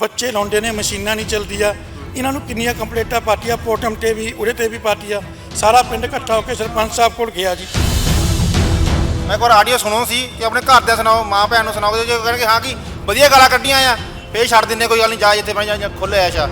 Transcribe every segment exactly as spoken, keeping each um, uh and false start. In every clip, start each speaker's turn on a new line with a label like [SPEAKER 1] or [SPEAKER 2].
[SPEAKER 1] ਬੱਚੇ ਲਾਉਂਦੇ ਨੇ, ਮਸ਼ੀਨਾਂ ਨਹੀਂ ਚੱਲਦੀਆਂ। ਇਹਨਾਂ ਨੂੰ ਕਿੰਨੀਆਂ ਕੰਪਲੇਂਟਾਂ ਪਾਰਟੀਆਂ ਪੋਟਮ ਤੇ ਵੀ, ਉਰੇ ਤੇ ਵੀ ਪਾਰਟੀਆਂ। ਸਾਰਾ ਪਿੰਡ ਇਕੱਠਾ ਹੋ ਕੇ ਸਰਪੰਚ ਸਾਹਿਬ ਕੋਲ ਗਿਆ ਜੀ।
[SPEAKER 2] ਮੈਂ ਇੱਕ ਵਾਰ ਆਡੀਓ ਸੁਣੋ ਸੀ ਕਿ ਆਪਣੇ ਘਰਦਿਆਂ ਸੁਣਾਓ, ਮਾਂ ਭੈਣ ਨੂੰ ਸੁਣਾਓ, ਜੇ ਕਹਿਣਗੇ ਹਾਂ ਕਿ ਵਧੀਆ ਗਾਲਾਂ ਕੱਢੀਆਂ ਆ ਫੇਰ ਛੱਡ ਦਿੰਦੇ, ਕੋਈ ਗੱਲ ਨਹੀਂ, ਜਾ ਜਿੱਥੇ ਬਣ ਜਾ ਖੁੱਲ੍ਹ ਐਸ਼ਾ।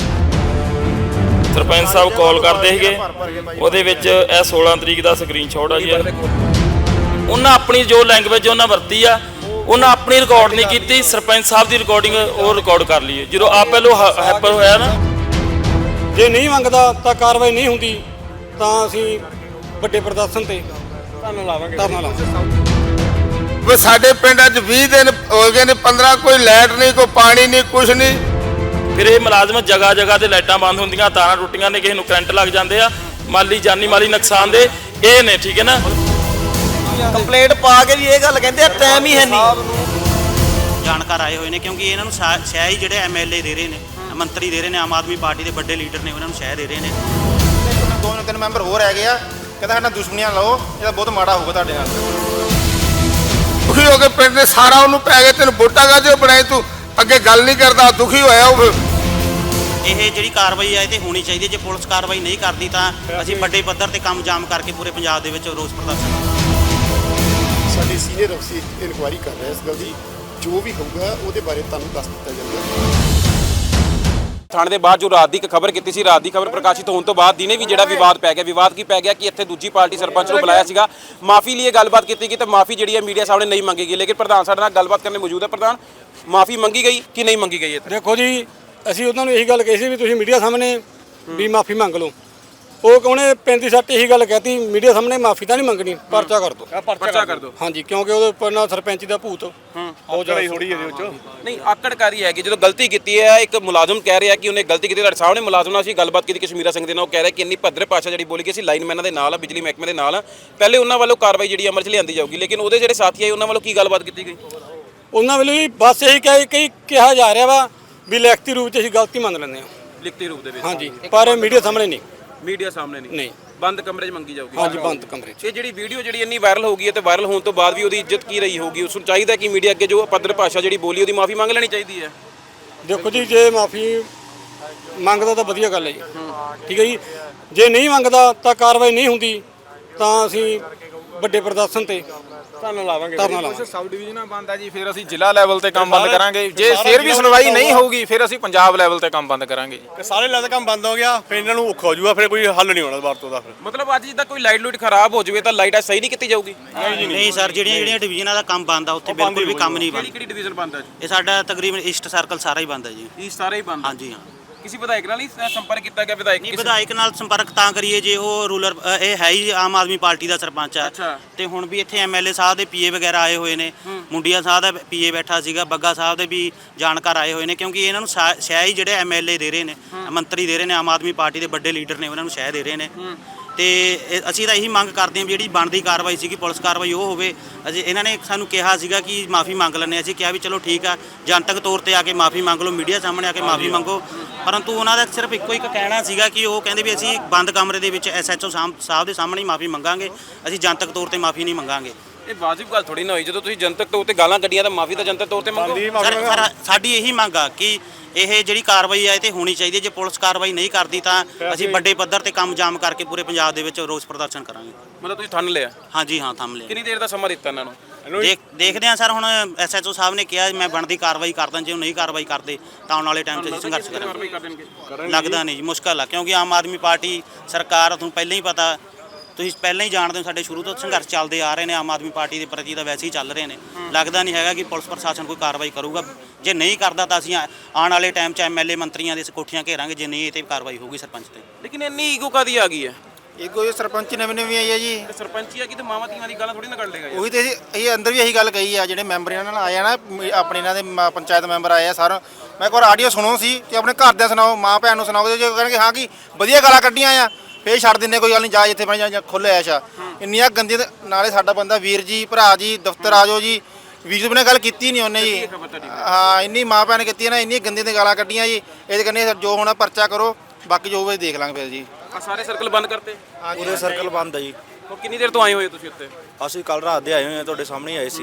[SPEAKER 3] ਸਰਪੰਚ ਸਾਹਿਬ ਕਾਲ ਕਰਦੇ ਸੀਗੇ, ਉਹਦੇ ਵਿੱਚ ਇਹ ਸੋਲਾਂ ਤਰੀਕ ਦਾ ਸਕਰੀਨਸ਼ਾਟ ਆ ਜੀ। ਉਹਨਾਂ ਆਪਣੀ ਜੋ ਲੈਂਗੁਏਜ ਉਹਨਾਂ ਵਰਤੀ ਆ, ਉਹਨਾਂ ਆਪਣੀ ਰਿਕਾਰਡ ਨਹੀਂ ਕੀਤੀ, ਸਰਪੰਚ ਸਾਹਿਬ ਦੀ ਰਿਕਾਰਡਿੰਗ ਉਹ ਰਿਕਾਰਡ ਕਰ ਲਈ। ਜਦੋਂ ਆਪ ਪਹਿਲੋਂ ਹੈਪਰ ਹੋਇਆ ਨਾ,
[SPEAKER 4] ਜੇ ਨਹੀਂ ਮੰਗਦਾ ਤਾਂ ਕਾਰਵਾਈ ਨਹੀਂ ਹੁੰਦੀ ਤਾਂ ਅਸੀਂ ਵੱਡੇ ਪ੍ਰਦਰਸ਼ਨ ਤੇ ਧਰਨਾ ਲਾਵਾਂਗੇ ਧਰਨਾ ਲਾਵਾਂਗੇ।
[SPEAKER 5] ਵੇ ਸਾਡੇ ਪਿੰਡ ਅੱਜ ਵੀਹ ਦਿਨ ਹੋ ਗਏ ਨੇ, ਪੰਦਰਾਂ ਕੋਈ ਲਾਈਟ ਨਹੀਂ, ਕੋਈ ਪਾਣੀ ਨਹੀਂ, ਕੁਛ ਨਹੀਂ।
[SPEAKER 3] ਫਿਰ ਇਹ ਮੁਲਾਜ਼ਮ ਜਗ੍ਹਾ ਜਗ੍ਹਾ ਤੇ ਲਾਈਟਾਂ ਬੰਦ ਹੁੰਦੀਆਂ, ਤਾਰਾਂ ਟੁੱਟੀਆਂ ਨੇ, ਕਿਸੇ ਨੂੰ ਕਰੰਟ ਲੱਗ ਜਾਂਦੇ ਆ, ਮਾਲੀ ਜਾਨੀ ਮਾਲੀ ਨੁਕਸਾਨ ਦੇ ਇਹ ਨੇ, ਠੀਕ ਹੈ ਨਾ।
[SPEAKER 6] ਕੰਪਲੇਂਟ ਪਾ ਕੇ ਵੀ ਇਹ ਗੱਲ ਕਹਿੰਦੇ ਆ ਟਾਈਮ ਹੀ ਹੈ ਨਹੀਂ। ਜਾਣਕਾਰ ਆਏ ਹੋਏ ਨੇ ਕਿਉਂਕਿ ਇਹਨਾਂ ਨੂੰ ਸ਼ਹਿ ਹੀ ਜਿਹੜੇ ਐਮਐਲਏ ਦੇ ਰਹੇ ਨੇ, ਮੰਤਰੀ ਦੇ ਰਹੇ ਨੇ, ਆਮ ਆਦਮੀ ਪਾਰਟੀ ਦੇ ਵੱਡੇ ਲੀਡਰ ਨੇ, ਉਹਨਾਂ ਨੂੰ ਸ਼ਹਿ ਦੇ ਰਹੇ ਨੇ।
[SPEAKER 2] ਦੋ ਤਿੰਨ ਮੈਂਬਰ ਹੋਰ ਹੈਗੇ ਆ, ਕਹਿੰਦਾ ਸਾਡਾ ਦੁਸ਼ਮਣੀਆਂ ਲਾਓ, ਇਹਦਾ ਬਹੁਤ ਮਾੜਾ ਹੋਊਗਾ ਤੁਹਾਡੇ ਨਾਲ।
[SPEAKER 5] ਦੁਖੀ ਹੋ ਕੇ ਪਿੰਡ ਦੇ ਸਾਰਾ ਉਹਨੂੰ ਪੈ ਗਏ, ਤੈਨੂੰ ਵੋਟਾਂ ਕਾਹਦੇ ਬਣਾਏ, ਤੂੰ ਅੱਗੇ ਗੱਲ ਨਹੀਂ ਕਰਦਾ, ਦੁਖੀ ਹੋਇਆ ਉਹ।
[SPEAKER 6] ਇਹ ਜਿਹੜੀ ਕਾਰਵਾਈ ਹੈ ਇਹ ਤੇ ਹੋਣੀ ਚਾਹੀਦੀ ਹੈ। ਜੇ ਪੁਲਿਸ ਕਾਰਵਾਈ ਨਹੀਂ ਕਰਦੀ ਤਾਂ ਅਸੀਂ ਵੱਡੇ ਪੱਧਰ ਤੇ ਕੰਮ ਜਾਮ ਕਰਕੇ ਪੂਰੇ ਪੰਜਾਬ ਦੇ ਵਿੱਚ ਰੋਸ ਪ੍ਰਦਰਸ਼ਨ।
[SPEAKER 7] ਸਾਡੀ ਸੀਨੀਅਰ ਅਫਸਰ ਇਨਕੁਆਇਰੀ ਕਰ ਰਿਹਾ ਇਸ ਗੱਲ ਦੀ, ਜੋ ਵੀ ਹੋਊਗਾ ਉਹਦੇ ਬਾਰੇ ਤੁਹਾਨੂੰ ਦੱਸ ਦਿੱਤਾ ਜਾਊਗਾ।
[SPEAKER 8] ਥਾਣੇ ਦੇ ਬਾਅਦ ਜੋ ਰਾਤ ਦੀ ਇੱਕ ਖਬਰ ਕੀਤੀ ਸੀ, ਰਾਤ ਦੀ ਖਬਰ ਪ੍ਰਕਾਸ਼ਿਤ ਹੋਣ ਤੋਂ ਬਾਅਦ ਦਿਨੇ ਵੀ ਜਿਹੜਾ ਵਿਵਾਦ ਪੈ ਗਿਆ। ਵਿਵਾਦ ਕੀ ਪੈ ਗਿਆ ਕਿ ਇੱਥੇ ਦੂਜੀ ਪਾਰਟੀ ਸਰਪੰਚ ਨੂੰ ਬੁਲਾਇਆ ਸੀਗਾ, ਮਾਫੀ ਲਈ ਗੱਲਬਾਤ ਕੀਤੀ ਗਈ ਤੇ ਮਾਫੀ ਜਿਹੜੀ ਹੈ ਮੀਡੀਆ ਸਾਹਮਣੇ ਨਹੀਂ ਮੰਗੀ ਗਈ। ਲੇਕਿਨ ਪ੍ਰਧਾਨ ਸਾਡੇ ਨਾਲ ਗੱਲਬਾਤ ਕਰਨ ਮੌਜੂਦ ਹੈ। ਪ੍ਰਧਾਨ, ਮਾਫੀ ਮੰਗੀ ਗਈ ਕਿ ਨਹੀਂ ਮੰਗੀ ਗਈ?
[SPEAKER 4] ਦੇਖੋ ਜੀ, ਅਸੀਂ ਉਹਨਾਂ ਨੂੰ ਇਹੀ ਗੱਲ ਕਹੀ ਸੀ ਵੀ ਤੁਸੀਂ ਮੀਡੀਆ ਸਾਹਮਣੇ ਵੀ ਮਾਫੀ ਮੰਗ ਲਓ। ਉਹ ਉਹਨੇ ਪੈਂਤੀ ਸੱਟ ਇਹੀ ਗੱਲ ਕਹਿਤੀ, ਮੀਡੀਆ ਸਾਹਮਣੇ ਮਾਫੀ ਤਾਂ ਨਹੀਂ ਮੰਗਣੀ, ਪਰਚਾ ਕਰ ਦਿਓ,
[SPEAKER 8] ਪਰਚਾ ਕਰ ਦਿਓ।
[SPEAKER 4] ਹਾਂਜੀ, ਕਿਉਂਕਿ ਉਹਦੇ ਉੱਪਰ ਨਾ ਸਰਪੰਚ ਦਾ ਭੂਤ ਬਹੁਤ ਜ਼ਿਆਦਾ ਥੋੜੀ ਇਹਦੇ ਵਿੱਚ
[SPEAKER 8] ਨਹੀਂ ਆਕੜਕਾਰੀ ਹੈਗੀ। ਜਦੋਂ ਗਲਤੀ ਕੀਤੀ ਹੈ, ਇੱਕ ਮੁਲਾਜ਼ਮ ਕਹਿ ਰਿਹਾ ਕਿ ਉਹਨੇ ਗਲਤੀ ਕੀਤੀ। ਤੁਹਾਡੇ ਸਾਹਮਣੇ ਮੁਲਾਜ਼ਮ ਨਾਲ ਅਸੀਂ ਗੱਲਬਾਤ ਕੀਤੀ ਕਸ਼ਮੀਰਾ ਸਿੰਘ ਦੇ ਨਾਲ, ਉਹ ਕਹਿ ਰਿਹਾ ਕਿ ਇੰਨੀ ਭੱਦਰ ਭਾਸ਼ਾ ਜਿਹੜੀ ਬੋਲੀ ਗਈ ਸੀ, ਲਾਈਨਮੈਨਾਂ ਦੇ ਨਾਲ, ਬਿਜਲੀ ਮਹਿਕਮੇ ਦੇ ਨਾਲ, ਪਹਿਲੇ ਉਹਨਾਂ ਵੱਲੋਂ ਕਾਰਵਾਈ ਜਿਹੜੀ ਅਮਲ 'ਚ ਲਿਆਂਦੀ ਜਾਊਗੀ। ਲੇਕਿਨ ਉਹਦੇ ਜਿਹੜੇ ਸਾਥੀ ਆਏ ਉਹਨਾਂ ਵੱਲੋਂ ਕੀ ਗੱਲਬਾਤ ਕੀਤੀ ਗਈ?
[SPEAKER 4] ਉਹਨਾਂ ਵੱਲੋਂ ਵੀ ਬਸ ਇਹੀ ਕਹਿ ਕਈ ਕਿਹਾ ਜਾ ਰਿਹਾ ਵਾ ਵੀ ਲਿਖਤੀ ਰੂਪ 'ਚ ਅਸੀਂ ਗਲਤੀ ਮੰਨ ਲੈਂਦੇ ਹਾਂ,
[SPEAKER 8] ਲਿਖਤੀ ਰੂਪ ਦੇ ਵਿੱਚ।
[SPEAKER 4] ਹਾਂਜੀ, ਪਰ ਮੀਡੀਆ ਸਾਹਮਣੇ ਨਹੀਂ।
[SPEAKER 8] ਮੀਡੀਆ ਸਾਹਮਣੇ ਨਹੀਂ
[SPEAKER 4] ਨਹੀਂ,
[SPEAKER 8] ਬੰਦ ਕਮਰੇ 'ਚ ਮੰਗੀ ਜਾਊਗੀ।
[SPEAKER 4] ਹਾਂਜੀ, ਬੰਦ ਕਮਰੇ 'ਚ।
[SPEAKER 8] ਇਹ ਜਿਹੜੀ ਵੀਡੀਓ ਜਿਹੜੀ ਇੰਨੀ ਵਾਇਰਲ ਹੋ ਗਈ ਹੈ ਤੇ ਵਾਇਰਲ ਹੋਣ ਤੋਂ ਬਾਅਦ ਵੀ ਉਹਦੀ ਇੱਜ਼ਤ ਕੀ ਰਹੀ ਹੋਊਗੀ? ਉਸ ਨੂੰ ਚਾਹੀਦਾ ਕਿ ਮੀਡੀਆ ਅੱਗੇ ਜੋ ਪੱਧਰ ਭਾਸ਼ਾ ਜਿਹੜੀ ਬੋਲੀ ਉਹਦੀ ਮਾਫੀ ਮੰਗ ਲੈਣੀ ਚਾਹੀਦੀ ਹੈ।
[SPEAKER 4] ਦੇਖੋ ਜੀ, ਜੇ ਮਾਫੀ ਮੰਗਦਾ ਤਾਂ ਵਧੀਆ ਗੱਲ ਹੈ ਜੀ, ਠੀਕ ਹੈ ਜੀ। ਜੇ ਨਹੀਂ ਮੰਗਦਾ ਤਾਂ ਕਾਰਵਾਈ ਨਹੀਂ ਹੁੰਦੀ ਤਾਂ ਅਸੀਂ ਵੱਡੇ ਪ੍ਰਦਰਸ਼ਨ ਤੇ ਧਰਨਾ ਲਾਵਾਂਗੇ ਧਰਨਾ ਲਾਵਾਂਗੇ।
[SPEAKER 9] ਸਬ ਡਿਵੀਜ਼ਨਾਂ ਬੰਦ ਆ ਜੀ, ਫਿਰ ਅਸੀਂ ਜ਼ਿਲ੍ਹਾ ਲੈਵਲ ਤੇ ਕੰਮ ਬੰਦ ਕਰਾਂਗੇ। ਜੇ ਫਿਰ ਵੀ ਸੁਣਵਾਈ ਨਹੀਂ ਹੋਊਗੀ ਫਿਰ ਅਸੀਂ ਪੰਜਾਬ ਲੈਵਲ ਤੇ ਕੰਮ ਬੰਦ ਕਰਾਂਗੇ ਜੀ।
[SPEAKER 10] ਸਾਰੇ ਲੈਵਲ ਕੰਮ ਬੰਦ ਹੋ ਗਿਆ, ਫਿਰ ਇਹਨਾਂ ਨੂੰ ਔਖਾ ਹੋ ਜਾਊਗਾ, ਫਿਰ ਕੋਈ ਹੱਲ ਨਹੀਂ ਹੋਣਾ ਦੁਬਾਰਾ ਤੋਂ ਦਾ। ਫਿਰ
[SPEAKER 8] ਮਤਲਬ ਅੱਜ ਜਿੱਦਾਂ ਕੋਈ ਲਾਈਟ ਲੂਟ ਖਰਾਬ ਹੋ ਜਾਵੇ ਤਾਂ ਲਾਈਟ ਸਹੀ ਨਹੀਂ ਕੀਤੀ ਜਾਊਗੀ?
[SPEAKER 6] ਨਹੀਂ ਸਰ, ਜਿਹੜੀਆਂ ਜਿਹੜੀਆਂ ਡਿਵੀਜ਼ਨਾਂ ਦਾ ਕੰਮ ਬੰਦ ਆ ਉੱਥੇ ਬਿਲਕੁਲ ਵੀ ਕੰਮ ਨਹੀਂ ਬੰਦ।
[SPEAKER 8] ਕਿਹੜੀ ਡਿਵੀਜ਼ਨ ਬੰਦ ਹੈ?
[SPEAKER 6] ਇਹ ਸਾਡਾ ਤਕਰੀਬਨ ਈਸਟ ਸਰਕਲ ਸਾਰਾ ਹੀ ਬੰਦ ਹੈ ਜੀ।
[SPEAKER 8] ਇਹ ਸਾਰੇ ਹੀ ਬੰਦ?
[SPEAKER 6] ਹਾਂਜੀ ਹਾਂ।
[SPEAKER 8] ਕਿਸੇ ਵਿਧਾਇਕ ਨਾਲ ਨਹੀਂ ਸੰਪਰਕ ਕੀਤਾ ਗਿਆ? ਵਿਧਾਇਕ
[SPEAKER 6] ਨਹੀਂ, ਵਿਧਾਇਕ ਨਾਲ ਸੰਪਰਕ ਤਾਂ ਕਰੀਏ ਜੇ ਉਹ ਰੂਲਰ ਇਹ ਹੈ ਹੀ ਆਮ ਆਦਮੀ ਪਾਰਟੀ ਦਾ ਸਰਪੰਚ ਆ। ਤੇ ਹੁਣ ਵੀ ਇੱਥੇ ਐਮਐਲਏ ਸਾਹਿਬ ਦੇ ਪੀਏ ਵਗੈਰਾ ਆਏ ਹੋਏ ਨੇ, ਮੁੰਡੀਆਂ ਸਾਹਿਬ ਦਾ ਪੀਏ ਬੈਠਾ ਸੀਗਾ, ਬੱਗਾ ਸਾਹਿਬ ਦੇ ਵੀ ਜਾਣਕਾਰ ਆਏ ਹੋਏ ਨੇ ਕਿਉਂਕਿ ਇਹਨਾਂ ਨੂੰ ਸ਼ਹਿ ਹੀ ਜਿਹੜੇ ਐਮਐਲਏ ਦੇ ਰਹੇ ਨੇ, ਮੰਤਰੀ ਦੇ ਰਹੇ ਨੇ, ਆਮ ਆਦਮੀ ਪਾਰਟੀ ਦੇ ਵੱਡੇ ਲੀਡਰ ਨੇ, ਉਹਨਾਂ ਨੂੰ ਸ਼ਹਿ ਦੇ ਰਹੇ ਨੇ। ਤੇ ਅਸੀਂ ਤਾਂ ਇਹੀ ਮੰਗ ਕਰਦੇ ਹਾਂ ਵੀ ਜਿਹੜੀ ਬਣਦੀ ਕਾਰਵਾਈ ਸੀਗੀ ਪੁਲਿਸ ਕਾਰਵਾਈ ਉਹ ਹੋਵੇ। ਅਜੇ ਇਹਨਾਂ ਨੇ ਸਾਨੂੰ ਕਿਹਾ ਸੀਗਾ ਕਿ ਮਾਫੀ ਮੰਗ ਲੈਂਦੇ, ਅਸੀਂ ਕਿਹਾ ਵੀ ਚਲੋ ਠੀਕ ਆ, ਜਨਤਕ ਤੌਰ ਤੇ ਆ ਕੇ ਮਾਫੀ ਮੰਗ ਲਓ, ਮੀਡੀਆ ਸਾਹਮਣੇ ਆ ਕੇ ਮਾਫੀ ਮੰਗੋ। ਪਰੰਤੂ ਉਹਨਾਂ ਦਾ ਸਿਰਫ ਇੱਕੋ ਇੱਕ ਕਹਿਣਾ ਸੀਗਾ ਕਿ ਉਹ ਕਹਿੰਦੇ ਵੀ ਅਸੀਂ ਬੰਦ ਕਮਰੇ ਦੇ ਵਿੱਚ ਐਸਐਚਓ ਸਾਹਿਬ ਦੇ ਸਾਹਮਣੇ ਹੀ ਮਾਫੀ ਮੰਗਾਂਗੇ, ਅਸੀਂ ਜਨਤਕ ਤੌਰ ਤੇ ਮਾਫੀ ਨਹੀਂ ਮੰਗਾਂਗੇ।
[SPEAKER 8] ਇਹ ਵਾਜਿਬ ਗੱਲ ਥੋੜੀ ਨਾ ਹੋਈ, ਜਦੋਂ ਤੁਸੀਂ ਜਨਤਕ ਤੌਰ ਤੇ ਗਾਲਾਂ ਕੱਢੀਆਂ ਤਾਂ ਮਾਫੀ ਤਾਂ ਜਨਤਕ ਤੌਰ ਤੇ ਮੰਗੋ।
[SPEAKER 6] ਸਰ, ਸਾਡੀ ਇਹੀ ਮੰਗ ਆ ਕਿ ਇਹ ਜਿਹੜੀ ਕਾਰਵਾਈ ਹੈ ਇਹ ਤੇ ਹੋਣੀ ਚਾਹੀਦੀ ਹੈ। ਜੇ ਪੁਲਿਸ ਕਾਰਵਾਈ ਨਹੀਂ ਕਰਦੀ ਤਾਂ ਅਸੀਂ ਵੱਡੇ ਪੱਧਰ ਤੇ ਕੰਮ ਜਾਮ ਕਰਕੇ ਪੂਰੇ ਪੰਜਾਬ ਦੇ ਵਿੱਚ ਰੋਸ ਪ੍ਰਦਰਸ਼ਨ ਕਰਾਂਗੇ।
[SPEAKER 8] ਮਤਲਬ ਤੁਸੀਂ ਥੰਨ ਲਿਆ?
[SPEAKER 6] ਹਾਂਜੀ ਹਾਂ, ਥੰਮ ਲਿਆ।
[SPEAKER 8] ਕਿੰਨੀ ਦੇਰ ਦਾ ਸਮਾਂ ਦਿੱਤਾ ਇਹਨਾਂ ਨੂੰ?
[SPEAKER 6] ਦੇਖ ਦੇਖਦੇ ਹਾਂ ਸਰ, ਹੁਣ ਐਸਐਚਓ ਸਾਹਿਬ ਨੇ ਕਿਹਾ ਮੈਂ ਬਣਦੀ ਕਾਰਵਾਈ ਕਰਦਾ, ਜੇ ਉਹ ਨਹੀਂ ਕਾਰਵਾਈ ਕਰਦੇ ਤਾਂ ਆਉਣ ਵਾਲੇ ਟਾਈਮ 'ਚ ਅਸੀਂ ਸੰਘਰਸ਼ ਕਰਾਂਗੇ। ਲੱਗਦਾ ਨਹੀਂ ਜੀ, ਮੁਸ਼ਕਲ ਆ ਕਿਉਂਕਿ ਆਮ ਆਦਮੀ ਪਾਰਟੀ ਸਰਕਾਰ, ਤੁਹਾਨੂੰ ਪਹਿਲਾਂ ਹੀ ਪਤਾ, ਤੁਸੀਂ ਪਹਿਲਾਂ ਹੀ ਜਾਣਦੇ ਹੋ ਸਾਡੇ ਸ਼ੁਰੂ ਤੋਂ ਸੰਘਰਸ਼ ਚੱਲਦੇ ਆ ਰਹੇ ਨੇ, ਆਮ ਆਦਮੀ ਪਾਰਟੀ ਦੇ ਪ੍ਰਤੀ ਤਾਂ ਵੈਸੇ ਹੀ ਚੱਲ ਰਹੇ ਨੇ। ਲੱਗਦਾ ਨਹੀਂ ਹੈਗਾ ਕਿ ਪੁਲਿਸ ਪ੍ਰਸ਼ਾਸਨ ਕੋਈ ਕਾਰਵਾਈ ਕਰੂਗਾ। ਜੇ ਨਹੀਂ ਕਰਦਾ ਤਾਂ ਅਸੀਂ ਆਉਣ ਵਾਲੇ ਟਾਈਮ 'ਚ ਐਮਐਲਏ ਮੰਤਰੀਆਂ ਦੇ ਕੋਠੀਆਂ ਘੇਰਾਂਗੇ, ਜੇ ਨਹੀਂ ਇਹ 'ਤੇ ਕਾਰਵਾਈ ਹੋਊਗੀ ਸਰਪੰਚ 'ਤੇ।
[SPEAKER 8] ਲੇਕਿਨ ਇੰਨੀ ਈਗੋ ਕਾਦੀ ਆ ਗਈ ਹੈ?
[SPEAKER 2] ਈਗੋ ਸਰਪੰਚ ਨਵੇਂ ਨਵੇਂ ਆਈ ਹੈ ਜੀ।
[SPEAKER 8] ਸਰਪੰਚੀ ਆ ਕਿ ਤੇ ਮਾਵਾਂ ਧੀਆਂ ਦੀ ਗੱਲ ਥੋੜੀ ਨਾ ਕਰ ਲੇਗਾ।
[SPEAKER 2] ਉਹੀ ਤੇ ਅਸੀਂ ਅੰਦਰ ਵੀ ਇਹੀ ਗੱਲ ਕਹੀ ਆ, ਜਿਹੜੇ ਮੈਂਬਰ ਇਹਨਾਂ ਨਾਲ ਆਏ ਆ ਨਾ, ਆਪਣੇ ਇਹਨਾਂ ਦੇ ਪੰਚਾਇਤ ਮੈਂਬਰ ਆਏ ਆ ਸਰ। ਮੈਂ ਇੱਕ ਵਾਰ ਆਡੀਓ ਸੁਣੋ ਸੀ ਕਿ ਆਪਣੇ ਘਰਦਿਆਂ ਸੁਣਾਓ, ਮਾਂ ਭੈਣ ਨੂੰ ਸੁਣਾਓ, ਜੇ ਕਹਿਣਗੇ ਹਾਂ ਕਿ ਵਧੀਆ ਗਾਲਾਂ ਕੱਢੀਆਂ ਆ ਫੇਰ ਛੱਡ ਦਿੰਦੇ, ਕੋਈ ਗੱਲ ਨਹੀਂ, ਜਾ ਜਿੱਥੇ ਬਣ ਜਾ ਖੁੱਲ੍ਹ ਐਸ਼ਾ। ਇੰਨੀਆਂ ਗੰਦੀਆਂ, ਨਾਲੇ ਸਾਡਾ ਬੰਦਾ ਵੀਰ ਜੀ, ਭਰਾ ਜੀ, ਦਫ਼ਤਰ ਆ ਜਾਓ ਜੀ। ਵੀਰ ਜੀ ਨੇ ਗੱਲ ਕੀਤੀ ਨਹੀਂ ਉਹਨੇ ਜੀ, ਹਾਂ ਇੰਨੀ ਮਾਂ ਭੈਣ ਕੀਤੀ ਨਾ, ਇੰਨੀ ਗੰਦੀਆਂ ਦੀਆਂ ਗਾਲਾਂ ਕੱਢੀਆਂ ਜੀ। ਇਹਦੇ ਕਹਿੰਦੇ ਜੋ ਹੋਣਾ ਪਰਚਾ ਕਰੋ, ਬਾਕੀ ਜੋ ਹੋਵੇ ਦੇਖ ਲਾਂਗੇ ਫਿਰ ਜੀ।
[SPEAKER 8] ਸਾਰੇ ਸਰਕਲ ਬੰਦ ਕਰਤੇ?
[SPEAKER 7] ਪੂਰੇ ਸਰਕਲ ਬੰਦ ਆ ਜੀ।
[SPEAKER 8] ਉਹ ਕਿੰਨੀ ਦੇਰ ਤੋਂ ਆਏ ਹੋਏ ਤੁਸੀਂ ਉੱਥੇ?
[SPEAKER 7] ਅਸੀਂ ਕੱਲ ਰਾਤ ਦੇ ਆਏ ਹੋਏ ਆ, ਤੁਹਾਡੇ ਸਾਹਮਣੇ ਆਏ ਸੀ।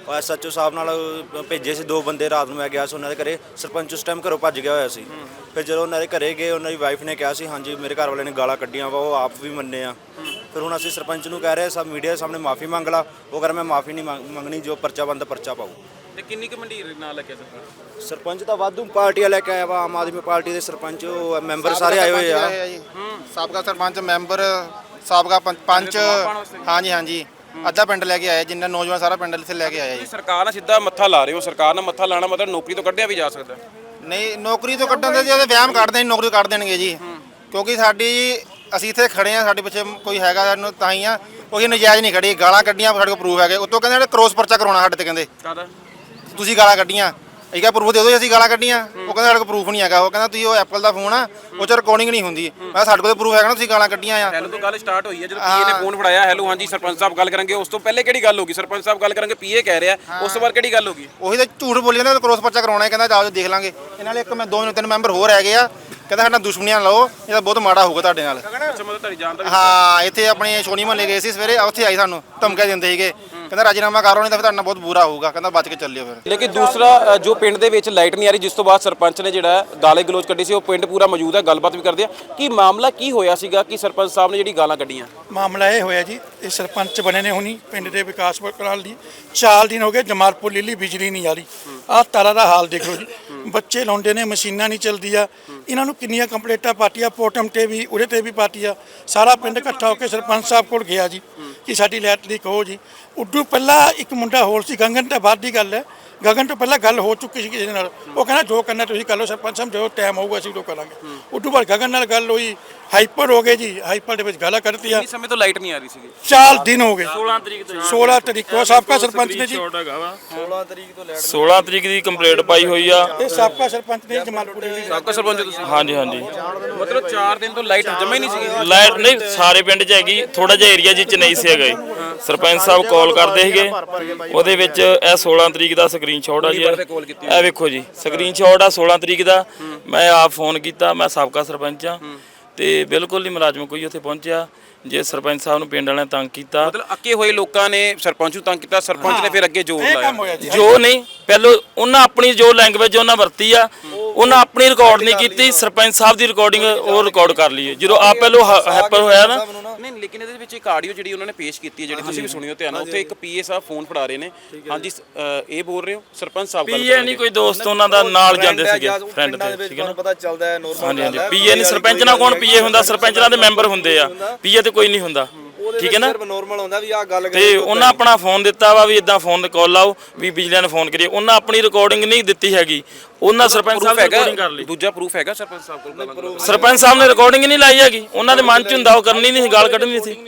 [SPEAKER 11] ਐਸਐਚਓ ਸਾਹਿਬ ਨਾਲ ਭੇਜੇ ਸੀ ਦੋ ਬੰਦੇ। ਰਾਤ ਨੂੰ ਮੈਂ ਗਿਆ ਸੀ ਉਹਨਾਂ ਦੇ ਘਰੇ, ਸਰਪੰਚ ਉਸ ਟਾਈਮ ਘਰੋਂ ਭੱਜ ਗਿਆ ਹੋਇਆ ਸੀ। ਫਿਰ ਜਦੋਂ ਉਹਨਾਂ ਦੇ ਘਰੇ ਗਏ, ਉਹਨਾਂ ਦੀ ਵਾਈਫ ਨੇ ਕਿਹਾ ਸੀ ਹਾਂਜੀ ਮੇਰੇ ਘਰ ਵਾਲੇ ਨੇ ਗਾਲਾਂ ਕੱਢੀਆਂ ਵਾ, ਉਹ ਆਪ ਵੀ ਮੰਨੇ ਆ। ਫਿਰ ਹੁਣ ਅਸੀਂ ਸਰਪੰਚ ਨੂੰ ਕਹਿ ਰਹੇ ਸਭ ਮੀਡੀਆ ਦੇ ਸਾਹਮਣੇ ਮਾਫੀ ਮੰਗ ਲਾ। ਉਹ ਕਰ ਮੈਂ ਮਾਫੀ ਨਹੀਂ ਮੰਗਣੀ, ਜੋ ਪਰਚਾ ਬੰਦਾ ਪਰਚਾ ਪਾਊ।
[SPEAKER 8] ਤੇ ਕਿੰਨੀ ਕੁ ਮੰਡੀਰ ਨਾਲ ਲੱਗਿਆ ਸਰਪੰਚ?
[SPEAKER 11] ਸਰਪੰਚ ਤਾਂ ਵਾਧੂ ਪਾਰਟੀਆਂ ਲੈ ਕੇ ਆਇਆ ਵਾ, ਆਮ ਆਦਮੀ ਪਾਰਟੀ ਦੇ ਸਰਪੰਚ ਮੈਂਬਰ ਸਾਰੇ ਆਏ ਹੋਏ ਆ।
[SPEAKER 2] ਸਾਬਕਾ ਸਰਪੰਚ ਮੈਂਬਰ, ਸਾਬਕਾ ਪੰਚ ਪੰਚ, ਹਾਂਜੀ ਹਾਂਜੀ ਅੱਧਾ ਪਿੰਡ ਲੈ ਕੇ ਆਇਆ, ਜਿੰਨਾ ਨੌਜਵਾਨ ਸਾਰਾ ਪਿੰਡ ਇੱਥੇ ਲੈ ਕੇ ਆਇਆ ਜੀ।
[SPEAKER 8] ਸਰਕਾਰ ਨਾਲ ਸਿੱਧਾ ਮੱਥਾ ਲਾ ਰਹੇ ਹੋ, ਸਰਕਾਰ ਨਾਲ ਮੱਥਾ ਲਾਣਾ ਮਤਲਬ ਨੌਕਰੀ ਤੋਂ ਕੱਢਿਆ ਵੀ ਜਾ ਸਕਦਾ?
[SPEAKER 2] ਨਹੀਂ, ਨੌਕਰੀ ਤੋਂ ਕੱਢਣ ਦੇ ਜੇ ਵਹਿਮ ਕੱਢਦੇ ਨਹੀਂ, ਨੌਕਰੀ ਕੱਢ ਦੇਣਗੇ ਜੀ। ਕਿਉਂਕਿ ਸਾਡੀ ਅਸੀਂ ਇੱਥੇ ਖੜੇ ਆ, ਸਾਡੇ ਪਿੱਛੇ ਕੋਈ ਹੈਗਾ ਸਾਨੂੰ ਤਾਂ ਹੀ ਆ, ਕੋਈ ਨਜਾਇਜ਼ ਨਹੀਂ ਖੜੀ। ਗਾਲਾਂ ਕੱਢੀਆਂ ਸਾਡੇ ਕੋਲ ਪ੍ਰੂਫ ਹੈਗੇ, ਉੱਤੋਂ ਕਹਿੰਦੇ ਜਿਹੜੇ ਕ੍ਰੋਸ ਪਰਚਾ ਕਰਾਉਣਾ ਸਾਡੇ ਤੇ, ਕਹਿੰਦੇ
[SPEAKER 8] ਕਾਹਦਾ?
[SPEAKER 2] ਤੁਸੀਂ ਗਾਲਾਂ ਕੱਢੀਆਂ। ਇਹ ਕਿਹਾ ਪ੍ਰੂਫ ਦੇ ਦਿਓ, ਅਸੀਂ ਗਾਲਾਂ ਕੱਢੀਆਂ। ਉਹ ਕਹਿੰਦਾ ਸਾਡੇ ਕੋਲ ਪ੍ਰੂਫ ਨਹੀਂ ਹੈਗਾ। ਉਹ ਕਹਿੰਦਾ ਤੁਸੀਂ ਉਹ ਐਪਲ ਦਾ ਫੋਨ ਆ, ਉਹ 'ਚ ਰਿਕਾਰਡਿੰਗ ਨਹੀਂ ਹੁੰਦੀ। ਮੈਂ ਸਾਡੇ ਕੋਲ ਪ੍ਰੂਫ ਹੈਗਾ ਨਾ, ਤੁਸੀਂ ਗਾਲਾਂ ਕੱਢੀਆਂ ਆ।
[SPEAKER 8] ਹੈਲੋ ਤੋਂ ਗੱਲ ਸਟਾਰਟ ਹੋਈ ਹੈ, ਜਦੋਂ ਪੀਏ ਨੇ ਫੋਨ ਫੜਾਇਆ, ਹੈਲੋ ਹਾਂਜੀ ਸਰਪੰਚ ਸਾਹਿਬ ਗੱਲ ਕਰਾਂਗੇ, ਉਸ ਤੋਂ ਪਹਿਲੇ ਕਿਹੜੀ ਗੱਲ ਹੋ ਗਈ? ਸਰਪੰਚ ਸਾਹਿਬ ਗੱਲ ਕਰਾਂਗੇ, ਪੀਏ ਕਹਿ ਰਿਹਾ, ਉਸ ਤੋਂ ਬਾਅਦ ਕਿਹੜੀ ਗੱਲ ਹੋ ਗਈ?
[SPEAKER 2] ਉਹੀ ਤਾਂ ਝੂਠ ਬੋਲੀ ਜਾਂਦਾ, ਕ੍ਰੋਸ ਪਰਚਾ ਕਰਾਉਣਾ ਹੈ। ਕਹਿੰਦਾ ਜਾਓ ਦੇਖ ਲਾਂਗੇ। ਇਹਨਾਂ ਨਾਲ ਇੱਕ ਮੈਂ ਦੋ ਤਿੰਨ ਮੈਂਬਰ ਹੋਰ ਹੈਗੇ ਆ, ਕਹਿੰਦਾ ਸਾਡਾ ਦੁਸ਼ਮਣੀਆਂ ਲਓ, ਇਹ ਤਾਂ ਬਹੁਤ ਮਾੜਾ ਹੋਊਗਾ ਤੁਹਾਡੇ ਨਾਲ।
[SPEAKER 8] ਅੱਛਾ, ਮਤਲਬ ਤੁਹਾਡੀ ਜਾਨ ਦਾ
[SPEAKER 2] ਹਾਂ, ਇੱਥੇ ਆਪਣੇ ਸੋਨੀ ਮਹੱਲੇ ਗਏ ਸੀ ਸਵੇਰੇ, ਉੱਥੇ ਆਈ ਸਾਨੂੰ ਧਮਕੀਆਂ ਦਿੰਦੇ ਸੀਗੇ, ਕਹਿੰਦਾ ਰਾਜੀਨਾਮਾ ਕਰੋ ਨਹੀਂ ਤਾਂ ਫਿਰ ਤੁਹਾਡੇ ਨਾਲ ਬਹੁਤ ਬੁਰਾ ਹੋਊਗਾ, ਕਹਿੰਦਾ ਬਚ ਕੇ ਚੱਲਿਓ ਫਿਰ।
[SPEAKER 8] ਲੇਕਿਨ ਦੂਸਰਾ ਜੋ ਪਿੰਡ ਦੇ ਵਿੱਚ ਲਾਈਟ ਨਹੀਂ ਆ ਰਹੀ, ਜਿਸ ਤੋਂ ਬਾਅਦ ਸਰਪੰਚ ਨੇ ਜਿਹੜਾ ਗਾਲੇ ਗਲੋਚ ਕੱਢੀ ਸੀ, ਉਹ ਪਿੰਡ ਪੂਰਾ ਮੌਜੂਦ ਹੈ, ਗੱਲਬਾਤ ਵੀ ਕਰਦੇ ਆ। ਕੀ ਮਾਮਲਾ ਕੀ ਹੋਇਆ ਸੀਗਾ ਕਿ ਸਰਪੰਚ ਸਾਹਿਬ ਨੇ ਜਿਹੜੀ ਗਾਲਾਂ ਕੱਢੀਆਂ?
[SPEAKER 1] ਮਾਮਲਾ ਇਹ ਹੋਇਆ ਜੀ, ਇਹ ਸਰਪੰਚ ਬਣੇ ਨੇ ਹੁਣੀ ਪਿੰਡ ਦੇ ਵਿਕਾਸ ਕਰਾਉਣ ਲਈ ਚਾਰ ਦਿਨ ਹੋ ਗਏ, ਜਮਾਲਪੁਰ ਲੀਲੀ ਬਿਜਲੀ ਨਹੀਂ ਆ ਰਹੀ। ਆਹ ਤਾਰਾ ਦਾ ਹਾਲ ਦੇਖੋ ਜੀ, ਬੱਚੇ ਲਾਉਂਦੇ ਨੇ, ਮਸ਼ੀਨਾਂ ਨਹੀਂ ਚੱਲਦੀਆਂ। ਇਹਨਾਂ ਨੂੰ ਕਿੰਨੀਆਂ ਕੰਪਲੇਂਟਾਂ ਪਾਰਟੀਆਂ, ਪੋਟਮ ਤੇ ਵੀ, ਉਹਦੇ ਤੇ ਵੀ ਪਾਰਟੀਆਂ। ਸਾਰਾ ਪਿੰਡ ਇਕੱਠਾ ਹੋ ਕੇ ਸਰਪੰਚ ਸਾਹਿਬ ਕੋਲ ਗਿਆ ਜੀ ਕਿ ਸਾਡੀ ਲਾਈਟ ਲੀਕ ਹੋ ਜੀ। ਉਦੋਂ ਪਹਿਲਾਂ ਇੱਕ ਮੁੰਡਾ ਹੋਰ ਸੀ, ਗਗਨ ਤਾਂ ਬਾਅਦ ਦੀ ਗੱਲ ਹੈ, ਗਗਨ ਤੋਂ ਪਹਿਲਾਂ ਗੱਲ ਹੋ ਚੁੱਕੀ ਸੀ ਕਿਸੇ ਨਾਲ। ਉਹ ਕਹਿੰਦਾ ਜੋ ਕਰਨਾ ਤੁਸੀਂ ਕਰ ਲਓ ਸਰਪੰਚ ਸਾਹਿਬ, ਜੋ ਟਾਈਮ ਹੋਊਗਾ ਅਸੀਂ ਉਹ ਕਰਾਂਗੇ। ਉਦੋਂ ਬਾਅਦ ਗਗਨ ਨਾਲ ਗੱਲ ਹੋਈ, ਹਾਈਪਰ ਹੋ ਗਏ ਜੀ, ਹਾਈਪਰ ਦੇ ਵਿੱਚ ਗਾਲਾਂ ਕੱਢਤੀਆਂ।
[SPEAKER 8] ਕਿੰਨੇ ਸਮੇਂ ਤੋਂ ਲਾਈਟ ਨਹੀਂ ਆ ਰਹੀ ਸੀਗੀ?
[SPEAKER 1] ਚਾਰ ਦਿਨ ਹੋ ਗਏ,
[SPEAKER 3] ਸੋਲਾਂ ਤਰੀਕ ਤੋਂ
[SPEAKER 1] ਸੋਲਾਂ ਤਰੀਕ ਤੋਂ ਸਾਬਕਾ ਸਰਪੰਚ ਨੇ ਜੀ
[SPEAKER 3] ਸੋਲਾਂ ਤਰੀਕ ਤੋਂ ਲੈਟ ਸੋਲਾਂ ਤਰੀਕ ਦੀ ਕੰਪਲੇਂਟ ਪਾਈ ਹੋਈ ਆ।
[SPEAKER 1] ਇਹ ਸਾਬਕਾ ਸਰਪੰਚ ਨੇ ਜਮਾਲਪੁਰ ਦੀ।
[SPEAKER 8] ਸਾਬਕਾ ਸਰਪੰਚ ਤੁਸੀਂ?
[SPEAKER 3] ਹਾਂਜੀ ਹਾਂਜੀ,
[SPEAKER 8] ਮਤਲਬ ਚਾਰ ਦਿਨ ਤੋਂ ਲਾਈਟ ਜਮਾ ਹੀ ਨਹੀਂ ਸੀਗੀ?
[SPEAKER 3] ਲਾਈਟ ਨਹੀਂ, ਸਾਰੇ ਪਿੰਡ 'ਚ ਹੈਗੀ, ਥੋੜਾ ਜਿਹਾ ਏਰੀਆ ਜਿਹ 'ਚ ਨਹੀਂ ਸੀ ਹੈਗਾ। ਸਰਪੰਚ ਸਾਹਿਬ ਕਾਲ ਕਰਦੇ ਸੀਗੇ, ਉਹਦੇ ਵਿੱਚ ਇਹ ਸੋਲਾਂ ਤਰੀਕ ਦਾ ਸਕਰੀਨਸ਼ਾਟ ਆ ਜੀ, ਇਹ ਵੇਖੋ ਜੀ ਸਕਰੀਨਸ਼ਾਟ ਆ ਸੋਲਾਂ ਤਰੀਕ ਦਾ। ਮੈਂ ਆਪ ਫੋਨ ਕੀਤਾ, ਮੈਂ ਸਾਬਕਾ ਸਰਪੰਚ ਆ ਤੇ ਬਿਲਕੁਲ ਨਹੀਂ ਮੁਲਾਜ਼ਮ ਕੋਈ ਉੱਥੇ ਪਹੁੰਚਿਆ। ਜੇ ਸਰਪੰਚ ਸਾਹਿਬ ਨੂੰ ਪਿੰਡ ਵਾਲਿਆਂ ਨੇ ਤੰਗ ਕੀਤਾ,
[SPEAKER 8] ਮਤਲਬ ਅੱਕੇ ਹੋਏ ਲੋਕਾਂ ਨੇ ਸਰਪੰਚ ਨੂੰ ਤੰਗ ਕੀਤਾ, ਸਰਪੰਚ ਨੇ ਫਿਰ ਅੱਗੇ ਜੋਰ ਲਾਇਆ।
[SPEAKER 3] ਜੋ ਨਹੀਂ, ਪਹਿਲਾਂ ਉਹਨਾਂ ਆਪਣੀ ਜੋ ਲੈਂਗੁਏਜ ਉਹਨਾਂ ਵਰਤੀ ਆ, ਉਹਨਾਂ ਆਪਣੀ ਰਿਕਾਰਡ ਨਹੀਂ ਕੀਤੀ, ਸਰਪੰਚ ਸਾਹਿਬ ਦੀ ਰਿਕਾਰਡਿੰਗ ਉਹ ਰਿਕਾਰਡ ਕਰ ਲਈ। ਜਦੋਂ ਆਪ ਪਹਿਲੋਂ ਹੈਪਰ ਹੋਇਆ ਨਾ,
[SPEAKER 8] ਨਹੀਂ ਲੇਕਿਨ ਇਹਦੇ ਵਿੱਚ ਇੱਕ ਆਡੀਓ ਜਿਹੜੀ ਉਹਨਾਂ ਨੇ ਪੇਸ਼ ਕੀਤੀ ਹੈ, ਜਿਹੜੀ ਤੁਸੀਂ ਵੀ ਸੁਣਿਓ ਧਿਆਨ ਨਾਲ, ਉੱਥੇ ਇੱਕ ਪੀਏ ਸਾਹਿਬ ਫੋਨ ਫੜਾ ਰਹੇ ਨੇ। ਹਾਂਜੀ ਇਹ ਬੋਲ ਰਹੇ ਹੋ ਸਰਪੰਚ ਸਾਹਿਬ?
[SPEAKER 3] ਪੀਏ ਨਹੀਂ, ਕੋਈ ਦੋਸਤ ਉਹਨਾਂ ਦਾ ਨਾਲ ਜਾਂਦੇ ਸੀਗੇ, ਫਰੈਂਡ ਦੇ, ਠੀਕ ਹੈ ਨਾ?
[SPEAKER 11] ਪਤਾ ਚੱਲਦਾ ਹੈ ਨੋਰਮਲ।
[SPEAKER 3] ਹਾਂਜੀ ਹਾਂਜੀ, ਪੀਏ ਨਹੀਂ, ਸਰਪੰਚ ਨਾਲ ਕੌਣ ਪੀਏ ਹੁੰਦਾ? ਸਰਪੰਚ ਨਾਲ ਦੇ ਮੈਂਬਰ ਹੁੰਦੇ ਆ, ਪੀਏ ਤੇ ਕੋਈ ਨਹੀਂ ਹੁੰਦਾ, ਠੀਕ ਹੈ ਨਾ?
[SPEAKER 11] ਨੋਰਮਲ ਹੁੰਦਾ ਵੀ ਆ ਗੱਲ
[SPEAKER 3] ਤੇ ਉਹਨਾਂ ਆਪਣਾ ਫੋਨ ਦਿੱਤਾ ਵਾ ਵੀ ਇਦਾਂ ਫੋਨ ਤੇ ਕਾਲ ਲਾਓ ਵੀ ਬਿਜਲੀਆਂ ਨੇ ਫੋਨ ਕਰੀਏ। ਉਹਨਾਂ ਆਪਣੀ ਰਿਕਾਰਡਿੰਗ ਨਹੀਂ ਦਿੱਤੀ ਹੈਗੀ, ਉਹਨਾਂ ਸਰਪੰਚ ਸਾਹਿਬ ਨੇ ਰਿਕਾਰਡਿੰਗ ਕਰ ਲਈ।
[SPEAKER 8] ਦੂਜਾ ਪ੍ਰੂਫ ਹੈਗਾ ਸਰਪੰਚ ਸਾਹਿਬ ਕੋਲ?
[SPEAKER 3] ਸਰਪੰਚ ਸਾਹਿਬ ਨੇ ਰਿਕਾਰਡਿੰਗ ਨਹੀਂ ਲਾਈ ਹੈਗੀ, ਉਹਨਾਂ ਦੇ ਮਨ 'ਚ ਹੁੰਦਾ ਉਹ ਕਰਨੀ ਨਹੀਂ ਸੀ, ਗਾਲ ਕੱਢਣੀ ਸੀ।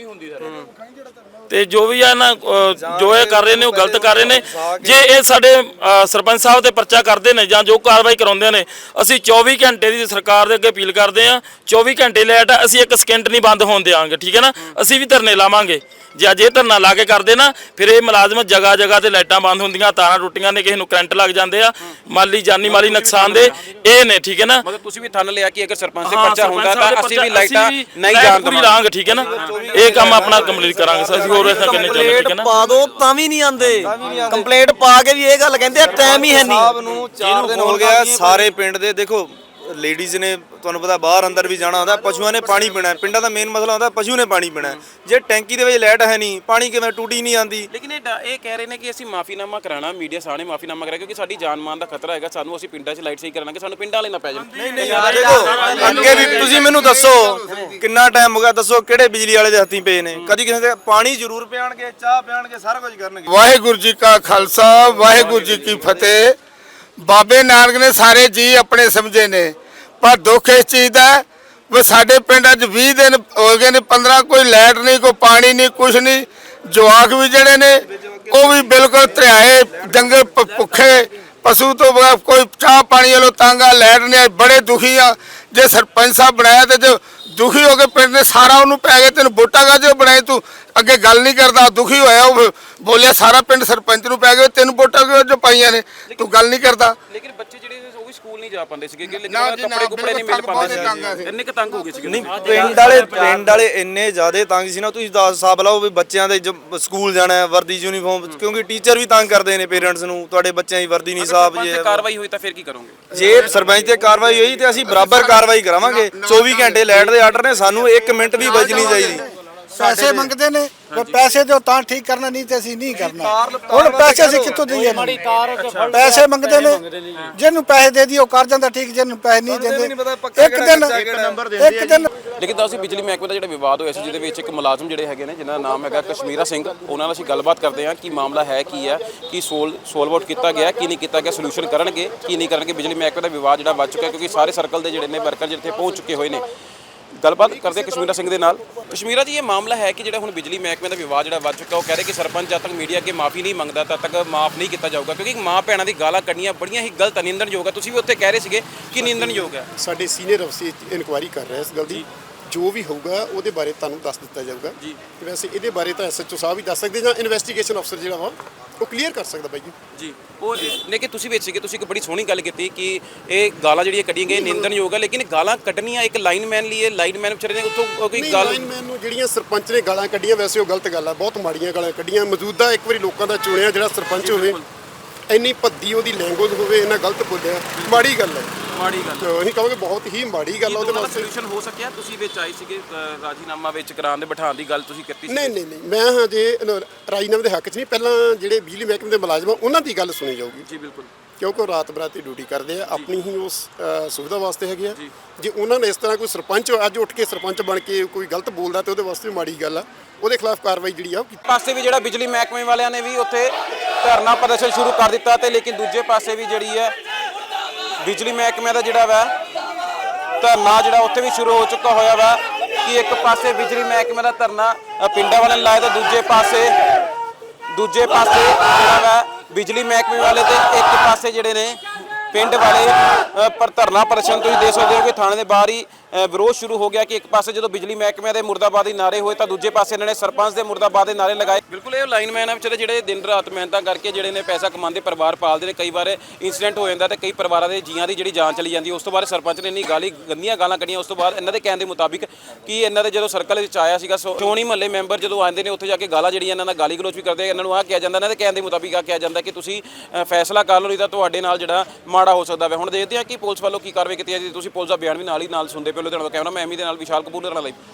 [SPEAKER 3] ਤੇ ਜੋ ਵੀ ਆ ਨਾ ਜੋ ਇਹ ਕਰ ਰਹੇ ਨੇ ਉਹ ਗਲਤ ਕਰ ਰਹੇ ਨੇ। ਜੇ ਇਹ ਸਾਡੇ ਸਰਪੰਚ ਸਾਹਿਬ ਤੇ ਪਰਚਾ ਕਰਦੇ ਨੇ ਜਾਂ ਜੋ ਕਾਰਵਾਈ ਕਰਾਉਂਦੇ ਨੇ, ਅਸੀਂ ਚੌਵੀ ਘੰਟੇ ਦੀ ਸਰਕਾਰ ਦੇ ਅੱਗੇ ਅਪੀਲ ਕਰਦੇ ਆ, ਚੌਵੀ ਘੰਟੇ ਲਾਈਟ ਆ, ਅਸੀਂ ਇੱਕ ਸਕਿੰਟ ਨਹੀਂ ਬੰਦ ਹੋਣ ਦੇਵਾਂਗੇ, ਠੀਕ ਹੈ ਨਾ? ਅਸੀਂ ਵੀ ਧਰਨੇ ਲਾਵਾਂਗੇ। ਜੇ ਅਜੇ ਧਰਨਾ ਲਾ ਕੇ ਕਰਦੇ ਨਾ, ਫਿਰ ਇਹ ਮੁਲਾਜ਼ਮ ਜਗ੍ਹਾ ਜਗ੍ਹਾ ਤੇ ਲਾਈਟਾਂ ਬੰਦ ਹੁੰਦੀਆਂ, ਤਾਰਾਂ ਟੁੱਟੀਆਂ ਨੇ, ਕਿਸੇ ਨੂੰ ਕਰੰਟ ਲੱਗ ਜਾਂਦੇ ਆ, ਮਾਲੀ ਜਾਨੀ ਮਾਲੀ ਨੁਕਸਾਨ ਦੇ ਇਹ ਨੇ, ਠੀਕ ਹੈ ਨਾ?
[SPEAKER 8] ਮਤਲਬ ਤੁਸੀਂ ਵੀ ਥੰਨ ਲਿਆ ਕਿ ਅਗਰ ਸਰਪੰਚ ਤੇ ਪਰਚਾ ਹੁੰਦਾ ਤਾਂ ਅਸੀਂ ਵੀ ਲਾਈਟਾਂ ਨਹੀਂ ਜਾਣ
[SPEAKER 3] ਪੂਰੀ ਲਾਂਗੇ, ਠੀਕ ਹੈ ਨਾ? ਇਹ ਕੰਮ ਆਪਣਾ ਕੰਪਲੀਟ ਕਰਾਂਗੇ ਅਸੀਂ, ਹੋਰ ਐਸਾ ਕਿੰਨੇ ਚੱਲਦੇ, ਠੀਕ ਹੈ ਨਾ?
[SPEAKER 11] ਪਾ ਦੋ ਤਾਂ ਵੀ ਨਹੀਂ ਆਂਦੇ, ਕੰਪਲੇਂਟ ਪਾ ਕੇ ਵੀ ਇਹ ਗੱਲ ਕਹਿੰਦੇ ਆ ਟਾਈਮ ਹੀ ਹੈ ਨਹੀਂ। ਸਾਹਿਬ ਨੂੰ ਚਾਰ ਦਿਨ ਹੋ ਗਿਆ, ਸਾਰੇ ਪਿੰਡ ਦੇ ਦੇਖੋ ਲੇਡੀਜ਼ ਨੇ, ਤੁਹਾਨੂੰ ਪਤਾ ਬਾਹਰ ਅੰਦਰ ਵੀ ਜਾਣਾ ਹੁੰਦਾ, ਪਸ਼ੂਆਂ ਨੇ ਪਾਣੀ ਪੀਣਾ, ਪਿੰਡਾਂ ਦਾ ਮੇਨ ਮਸਲਾ ਹੁੰਦਾ ਪਸ਼ੂ ਨੇ ਪਾਣੀ ਪੀਣਾ। ਜੇ ਟੈਂਕੀ ਦੇ ਵਿੱਚ ਲਾਈਟ ਹੈ ਨਹੀਂ, ਪਾਣੀ ਕਿਵੇਂ ਟੂਟੀ ਨਹੀਂ ਆਂਦੀ।
[SPEAKER 8] ਲੇਕਿਨ ਇਹ ਇਹ ਕਹਿ ਰਹੇ ਨੇ ਕਿ ਅਸੀਂ ਮਾਫੀਨਾਮਾ ਕਰਾਣਾ, ਮੀਡੀਆ ਸਾਹਮਣੇ ਮਾਫੀਨਾਮਾ ਕਰਾਇਆ ਕਿਉਂਕਿ ਸਾਡੀ ਜਾਨ ਮਾਨ ਦਾ ਖਤਰਾ ਹੈਗਾ, ਸਾਨੂੰ ਅਸੀਂ ਪਿੰਡਾਂ 'ਚ ਲਾਈਟ ਸਹੀ ਕਰਾਂਗੇ, ਸਾਨੂੰ ਪਿੰਡਾਂ ਵਾਲੇ ਨਾ ਪੈ ਜਾਣ।
[SPEAKER 11] ਨਹੀਂ ਨਹੀਂ ਦੇਖੋ, ਅੱਗੇ ਵੀ ਤੁਸੀਂ ਮੈਨੂੰ ਦੱਸੋ ਕਿੰਨਾ ਟਾਈਮ ਹੋ ਗਿਆ, ਦੱਸੋ ਕਿਹੜੇ ਬਿਜਲੀ ਵਾਲੇ ਦੇ ਹੱਥੀਂ ਪਏ ਨੇ? ਕਦੀ ਕਿਸੇ ਦੇ ਪਾਣੀ ਜ਼ਰੂਰ ਪਿਆਣਗੇ, ਚਾਹ ਪਿਆਣਗੇ, ਸਾਰਾ ਕੁਝ ਕਰਨਗੇ।
[SPEAKER 5] ਵਾਹਿਗੁਰੂ ਜੀ ਕਾ ਖਾਲਸਾ, ਵਾਹਿਗੁਰੂ ਜੀ ਕੀ ਫਤਿਹ। ਬਾਬੇ ਨਾਨਕ ਨੇ ਸਾਰੇ ਜੀ ਆਪਣੇ ਸਮਝੇ ਨੇ, ਪਰ ਦੁੱਖ ਇਸ ਚੀਜ਼ ਦਾ ਵੀ ਸਾਡੇ ਪਿੰਡਾਂ 'ਚ ਵੀਹ ਦਿਨ ਹੋ ਗਏ ਨੇ, ਪੰਦਰਾਂ, ਕੋਈ ਲਾਈਟ ਨਹੀਂ, ਕੋਈ ਪਾਣੀ ਨਹੀਂ, ਕੁਛ ਨਹੀਂ। ਜਵਾਕ ਵੀ ਜਿਹੜੇ ਨੇ ਉਹ ਵੀ ਬਿਲਕੁਲ ਧਰਿਆਏ, ਡੰਗਰ ਭੁੱਖੇ, ਪਸ਼ੂ ਤੋਂ ਬਗੈਰ, ਕੋਈ ਚਾਹ ਪਾਣੀ ਵੱਲੋਂ ਤੰਗ ਆ, ਲਾਈਟ ਨਹੀਂ ਆਈ, ਬੜੇ ਦੁਖੀ ਆ। ਜੇ ਸਰਪੰਚ ਸਾਹਿਬ ਬਣਾਇਆ ਤੇ ਜੋ ਦੁਖੀ ਹੋ ਕੇ ਪਿੰਡ ਨੇ ਸਾਰਾ ਉਹਨੂੰ ਪੈ ਗਏ, ਤੈਨੂੰ ਵੋਟਾਂ ਕਾਹਦੇ ਬਣਾਈ, ਤੂੰ ਅੱਗੇ ਗੱਲ ਨਹੀਂ ਕਰਦਾ, ਦੁਖੀ ਹੋਇਆ, ਉਹ ਬੋਲਿਆ ਸਾਰਾ ਪਿੰਡ ਸਰਪੰਚ ਨੂੰ ਪੈ ਗਿਆ, ਤੈਨੂੰ ਵੋਟਾਂ ਕਿਉਂ ਜੋ ਪਾਈਆਂ ਨੇ, ਤੂੰ ਗੱਲ ਨਹੀਂ ਕਰਦਾ।
[SPEAKER 8] ਲੇਕਿਨ ਬੱਚੇ ਜਿਹੜੇ ਵੀ ਸਕੂਲ ਨਹੀਂ ਜਾ ਪਾਉਂਦੇ ਸੀਗੇ ਕਿ ਲੇਕਿਨ
[SPEAKER 5] ਨਾ ਜੀ, ਨਾ,
[SPEAKER 8] ਕੱਪੜੇ ਕੁਪੜੇ ਨਹੀਂ ਮਿਲ
[SPEAKER 5] ਬਿਲਕੁਲ
[SPEAKER 8] ਪਾਉਂਦੇ
[SPEAKER 5] ਤੰਗ ਆ
[SPEAKER 8] ਸੀ
[SPEAKER 5] ਸੀ।
[SPEAKER 8] ਇੰਨੇ ਕੁ ਤੰਗ ਹੋ ਗਏ ਸੀਗੇ
[SPEAKER 12] ਨਹੀਂ ਪਿੰਡ ਵਾਲੇ ਪਿੰਡ ਵਾਲੇ ਇੰਨੇ ਜ਼ਿਆਦਾ ਤੰਗ ਸੀ ਨਾ, ਤੁਸੀਂ ਦੱਸ ਹਿਸਾਬ ਲਾਓ ਵੀ ਬੱਚਿਆਂ ਦੇ ਜ- ਸਕੂਲ ਜਾਣਾ ਹੈ, ਵਰਦੀ ਯੂਨੀਫਾਰਮ, ਕਿਉਂਕਿ ਟੀਚਰ ਵੀ ਤੰਗ ਕਰਦੇ ਨੇ ਪੇਰੈਂਟਸ ਨੂੰ, ਤੁਹਾਡੇ ਬੱਚਿਆਂ ਦੀ ਵਰਦੀ ਨਹੀਂ ਸਾਫ
[SPEAKER 8] ਜੇ
[SPEAKER 12] ਜੇ
[SPEAKER 8] ਕਾਰਵਾਈ ਹੋਈ ਤਾਂ ਫਿਰ ਕੀ ਕਰੋਗੇ?
[SPEAKER 12] ਜੇ ਸਰਪੰਚ ਤੇ ਕਾਰਵਾਈ ਹੋਈ ਤੇ ਅਸੀਂ ਬਰਾਬਰ ਕਾਰਵਾਈ ਕਰਾਵਾਂਗੇ। ਚੌਵੀ ਘੰਟੇ ਲਾਈਟ ਦੇ ਆਰਡਰ ਨੇ, ਸਾਨੂੰ ਇੱਕ ਮਿੰਟ ਵੀ ਬਚਣੀ ਚਾਹੀਦੀ।
[SPEAKER 1] ਪੈਸੇ ਮੰਗਦੇ ਨੇ ਪਰ ਪੈਸੇ ਦਿਓ ਤਾਂ ਠੀਕ ਕਰਨਾ, ਨਹੀਂ ਤੇ ਅਸੀਂ ਨਹੀਂ ਕਰਨਾ। ਹੁਣ ਪੈਸੇ ਅਸੀਂ ਕਿੱਥੋਂ ਦਈਏ? ਪੈਸੇ ਮੰਗਦੇ ਨੇ, ਜਿਹਨੂੰ ਪੈਸੇ ਦੇ ਦਿਓ ਕਰ ਜਾਂਦਾ ਠੀਕ, ਜਿਹਨੂੰ ਪੈਸੇ ਨਹੀਂ ਦਿੰਦੇ ਇੱਕ ਦਿਨ ਇੱਕ ਦਿਨ
[SPEAKER 8] ਲੇਕਿਨ ਤਾਂ ਅਸੀਂ ਬਿਜਲੀ ਮਹਿਕਮੇ ਦਾ ਜਿਹੜਾ ਵਿਵਾਦ ਹੋਇਆ ਸੀ ਜਿਹਦੇ ਵਿੱਚ ਇੱਕ ਮੁਲਾਜ਼ਮ ਜਿਹੜੇ ਹੈਗੇ ਨੇ ਜਿਨ੍ਹਾਂ ਦਾ ਨਾਮ ਹੈਗਾ ਕਸ਼ਮੀਰਾ ਸਿੰਘ, ਉਹਨਾਂ ਨਾਲ ਅਸੀਂ ਗੱਲਬਾਤ ਕਰਦੇ ਹਾਂ ਕਿ ਮਾਮਲਾ ਹੈ ਕੀ ਹੈ, ਕੀ ਸੋਲ ਸੋਲਵ ਆਊਟ ਕੀਤਾ ਗਿਆ, ਕੀ ਨਹੀਂ ਕੀਤਾ ਗਿਆ, ਸੋਲੂਸ਼ਨ ਕਰਨਗੇ ਕੀ ਨਹੀਂ ਕਰਨਗੇ। ਬਿਜਲੀ ਮਹਿਕਮੇ ਦਾ ਵਿਵਾਦ ਜਿਹੜਾ ਵੱਧ ਚੁੱਕਾ ਕਿਉਂਕਿ ਸਾਰੇ ਸਰਕਲ ਦੇ ਜਿਹੜੇ ਨੇ ਵਰਕਰ ਜਿੱਥੇ ਪਹੁੰਚ ਚੁੱਕੇ ਹੋਏ ਨੇ। ਗੱਲਬਾਤ ਕਰਦੇ ਕਸ਼ਮੀਰਾ ਸਿੰਘ ਦੇ ਨਾਲ। ਕਸ਼ਮੀਰਾ ਜੀ, ਇਹ ਮਾਮਲਾ ਹੈ ਕਿ ਜਿਹੜਾ ਹੁਣ ਬਿਜਲੀ ਮਹਿਕਮੇ ਦਾ ਵਿਵਾਦ ਜਿਹੜਾ ਵੱਧ ਚੁੱਕਾ, ਉਹ ਕਹਿ ਰਹੇ ਕਿ ਸਰਪੰਚ ਜਦ ਤੱਕ ਮੀਡੀਆ ਅੱਗੇ ਮਾਫੀ ਨਹੀਂ ਮੰਗਦਾ ਤਦ ਤੱਕ ਮਾਫ ਨਹੀਂ ਕੀਤਾ ਜਾਊਗਾ, ਕਿਉਂਕਿ ਮਾਂ ਭੈਣਾਂ ਦੀ ਗਾਲਾਂ ਕੱਢੀਆਂ ਬੜੀਆਂ ਹੀ ਗਲਤ ਨਿੰਦਣਯੋਗ ਹੈ। ਤੁਸੀਂ ਵੀ ਉੱਥੇ ਕਹਿ ਰਹੇ ਸੀਗੇ ਕਿ ਨਿੰਦਣਯੋਗ ਹੈ।
[SPEAKER 7] ਸਾਡੇ ਸੀਨੀਅਰ ਅਫਸਰ ਇਨਕੁਆਇਰੀ ਕਰ ਰਹੇ ਇਸ ਗੱਲ ਦੀ, ਜੋ ਵੀ ਹੋਊਗਾ ਉਹਦੇ ਬਾਰੇ ਤੁਹਾਨੂੰ ਦੱਸ ਦਿੱਤਾ ਜਾਊਗਾ ਜੀ। ਵੈਸੇ ਇਹਦੇ ਬਾਰੇ ਤਾਂ ਐਸਐਚਓ ਸਾਹਿਬ ਹੀ ਦੱਸ ਸਕਦੇ ਜਾਂ ਇਨਵੈਸਟੀਗੇਸ਼ਨ ਅਫਸਰ ਜਿਹੜਾ ਵਾ ਉਹ ਕਲੀਅਰ ਕਰ ਸਕਦਾ ਬਾਈ ਜੀ।
[SPEAKER 8] ਜੀ ਉਹ ਲੇਕਿਨ ਤੁਸੀਂ ਵਿੱਚ ਸੀਗੇ, ਤੁਸੀਂ ਇੱਕ ਬੜੀ ਸੋਹਣੀ ਗੱਲ ਕੀਤੀ ਕਿ ਇਹ ਗਾਲਾਂ ਜਿਹੜੀਆਂ ਕੱਢੀਆਂ ਗਈਆਂ ਨਿੰਦਣਯੋਗ ਹੈ, ਲੇਕਿਨ ਗਾਲਾਂ ਕੱਢਣੀਆਂ ਇੱਕ ਲਾਈਨਮੈਨ ਲਈ ਹੈ, ਲਾਈਨਮੈਨ ਵਿਚਾਰੇ ਨੇ ਉੱਥੋਂ ਕੋਈ
[SPEAKER 7] ਨਹੀਂ,
[SPEAKER 8] ਗੱਲ
[SPEAKER 7] ਲਾਈਨਮੈਨ ਨੂੰ ਜਿਹੜੀਆਂ ਸਰਪੰਚ ਨੇ ਗਾਲਾਂ ਕੱਢੀਆਂ ਵੈਸੇ ਉਹ ਗਲਤ ਗੱਲ ਆ, ਬਹੁਤ ਮਾੜੀਆਂ ਗਾਲਾਂ ਕੱਢੀਆਂ। ਮੌਜੂਦਾ ਇੱਕ ਵਾਰੀ ਲੋਕਾਂ ਦਾ ਚੁਣਿਆ ਜਿਹੜਾ ਸਰਪੰਚ ਹੋਵੇ, ਇੰਨੀ ਭੱਦੀ ਉਹਦੀ ਲੈਂਗੁਏਜ ਹੋਵੇ, ਇੰਨਾ ਗਲਤ ਬੋਲਿਆ, ਮਾੜੀ ਗੱਲ ਹੈ।
[SPEAKER 8] ਮਾੜੀ ਗੱਲ
[SPEAKER 7] ਤੇ ਅਸੀਂ ਕਹਾਂਗੇ ਬਹੁਤ ਹੀ ਮਾੜੀ ਗੱਲ ਆ ਉਹਦੇ
[SPEAKER 8] ਉਹਦਾ
[SPEAKER 7] ਵਾਸਤੇ।
[SPEAKER 8] ਸੋਲੂਸ਼ਨ ਹੋ ਸਕਿਆ? ਤੁਸੀਂ ਵਿੱਚ ਆਏ ਸੀਗੇ, ਅ, ਰਾਜੀਨਾਮਾ ਵਿੱਚ ਕਰਾਉਣ ਦੇ ਬਿਠਾਉਣ ਦੀ ਗੱਲ ਤੁਸੀਂ ਕੀਤੀ ਸੀ।
[SPEAKER 7] ਨਹੀਂ ਨਹੀਂ ਨਹੀਂ ਮੈਂ ਹਜੇ ਰਾਜੀਨਾਮੇ ਦੇ ਹੱਕ 'ਚ ਨਹੀਂ, ਪਹਿਲਾਂ ਜਿਹੜੇ ਬਿਜਲੀ ਮਹਿਕਮੇ ਦੇ ਮੁਲਾਜ਼ਮ ਆ ਉਹਨਾਂ ਦੀ ਗੱਲ ਸੁਣੀ ਜਾਊਗੀ
[SPEAKER 8] ਜੀ ਬਿਲਕੁਲ,
[SPEAKER 7] ਕਿਉਂਕਿ ਉਹ ਰਾਤ ਬਰਾਤੀ ਡਿਊਟੀ ਕਰਦੇ ਆ, ਆਪਣੀ ਹੀ ਉਸ ਅ, ਸੁਵਿਧਾ ਵਾਸਤੇ ਹੈਗੇ ਆ। ਜੇ ਉਹਨਾਂ ਨੇ ਇਸ ਤਰ੍ਹਾਂ ਕੋਈ ਸਰਪੰਚ ਅੱਜ ਉੱਠ ਕੇ ਸਰਪੰਚ ਬਣ ਕੇ ਕੋਈ ਗਲਤ ਬੋਲਦਾ ਤੇ ਉਹਦੇ ਵਾਸਤੇ ਵੀ ਮਾੜੀ ਗੱਲ ਆ, ਉਹਦੇ ਖਿਲਾਫ ਕਾਰਵਾਈ ਜਿਹੜੀ ਆ ਉਹ ਕੀਤੀ।
[SPEAKER 8] ਪਾਸੇ ਵੀ ਜਿਹੜਾ ਬਿਜਲੀ ਮਹਿਕਮੇ ਵਾਲਿਆਂ ਨੇ ਵੀ ਉੱਥੇ ਧਰਨਾ ਪ੍ਰਦਰਸ਼ਨ ਸ਼ੁਰੂ ਕਰ ਦਿੱਤਾ ਤੇ ਲੇਕਿਨ ਦੂਜੇ ਪਾਸੇ ਵੀ ਜਿਹੜੀ ਹੈ ਬਿਜਲੀ ਮਹਿਕਮੇ ਦਾ ਜਿਹੜਾ ਵਾ ਧਰਨਾ ਜਿਹੜਾ ਉੱਥੇ ਵੀ ਸ਼ੁਰੂ ਹੋ ਚੁੱਕਾ ਹੋਇਆ ਵਾ ਕਿ ਇੱਕ ਪਾਸੇ ਬਿਜਲੀ ਮਹਿਕਮੇ ਦਾ ਧਰਨਾ ਅ, ਪਿੰਡਾਂ ਵਾਲਿਆਂ ਨੇ ਲਾਇਆ ਤਾਂ ਦੂਜੇ ਪਾਸੇ ਦੂਜੇ ਪਾਸੇ ਜਿਹੜਾ ਵਾ ਬਿਜਲੀ ਮਹਿਕਮੇ ਵਾਲੇ ਤੇ ਇੱਕ ਪਾਸੇ ਜਿਹੜੇ ਨੇ ਪਿੰਡ ਵਾਲੇ ਅ, ਪਰ ਧਰਨਾ ਪ੍ਰਦਰਸ਼ਨ ਤੁਸੀਂ ਦੇਖ ਸਕਦੇ ਹੋ ਕਿ ਥਾਣੇ ਦੇ ਬਾਹਰ ਹੀ ਅ, ਵਿਰੋਧ ਸ਼ੁਰੂ ਹੋ ਗਿਆ ਕਿ ਇੱਕ ਪਾਸੇ ਜਦੋਂ ਬਿਜਲੀ ਮਹਿਕਮੇ ਦੇ ਮੁਰਦਾਬਾਦੀ ਨਾਰੇ ਹੋਏ ਤਾਂ ਦੂਜੇ ਪਾਸੇ ਇਹਨਾਂ ਨੇ ਸਰਪੰਚ ਦੇ ਮੁਰਦਾਬਾਦ ਦੇ ਨਾਰੇ ਲਗਾਏ। ਬਿਲਕੁਲ ਇਹ ਲਾਈਨਮੈਨ ਆ ਵਿਚਾਰੇ ਜਿਹੜੇ ਦਿਨ ਰਾਤ ਮਿਹਨਤਾਂ ਕਰਕੇ ਜਿਹੜੇ ਨੇ ਪੈਸਾ ਕਮਾਉਂਦੇ, ਪਰਿਵਾਰ ਪਾਲਦੇ ਨੇ। ਕਈ ਵਾਰ ਇਨਸੀਡੈਂਟ ਹੋ ਜਾਂਦਾ ਤੇ ਕਈ ਪਰਿਵਾਰਾਂ ਦੇ ਜੀਆਂ ਦੀ ਜਿਹੜੀ ਜਾਨ ਚਲੀ ਜਾਂਦੀ। ਉਸ ਤੋਂ ਬਾਅਦ ਸਰਪੰਚ ਨੇ ਇੰਨੀ ਗਾਲੀ ਗੰਦੀਆਂ ਗਾਲਾਂ ਕੱਢੀਆਂ। ਉਸ ਤੋਂ ਬਾਅਦ ਇਹਨਾਂ ਦੇ ਕਹਿਣ ਦੇ ਮੁਤਾਬਿਕ ਕਿ ਇਹਨਾਂ ਦੇ ਜਦੋਂ ਸਰਕਲ ਵਿੱਚ ਆਇਆ ਸੀਗਾ ਚੋਣੀ ਮਹੱਲੇ ਮੈਂਬਰ ਜਦੋਂ ਆਉਂਦੇ ਨੇ ਉੱਥੇ ਜਾ ਕੇ ਗਾਲਾਂ ਜਿਹੜੀਆਂ ਇਹਨਾਂ ਨਾਲ ਗਾਲੀ ਗਲੋਚ ਵੀ ਕਰਦੇ, ਇਹਨਾਂ ਨੂੰ ਆਹ ਕਿਹਾ ਜਾਂਦਾ, ਇਹਨਾਂ ਦੇ ਕਹਿਣ ਦੇ ਮੁਤਾਬਿਕ ਆਹ ਕਿਹਾ ਜਾਂਦਾ ਕਿ ਤੁਸੀਂ ਅ, ਫੈਸਲਾ ਕਰ ਲਓ ਨਹੀਂ ਤਾਂ ਤੁਹਾਡੇ ਨਾਲ ਜਿਹੜਾ ਮਾੜਾ ਹੋ ਸਕਦਾ ਹੈ। ਹੁਣ ਦੇਖਦੇ ਹਾਂ ਕਿ ਪੁਲਿਸ ਵੱਲੋਂ ਕੀ ਕਾਰਵਾਈ ਕੀਤੀ ਜਾਂਦੀ। ਤੁਸੀਂ ਪੁਲਿਸ ਦਾ ਬਿਆਨ ਵੀ ਨਾਲ ਹੀ ਨਾਲ ਸੁਣਦੇ ਪਏ ਹੋ। ਲੁਧਿਆਣਾ ਤੋਂ ਕੈਮਰਾ ਮੈਂ ਐਮੀ ਦੇ ਨਾਲ ਵਿਸ਼ਾਲ ਕਪੂਰ ਦੇ ਨਾਲ ਲਈ।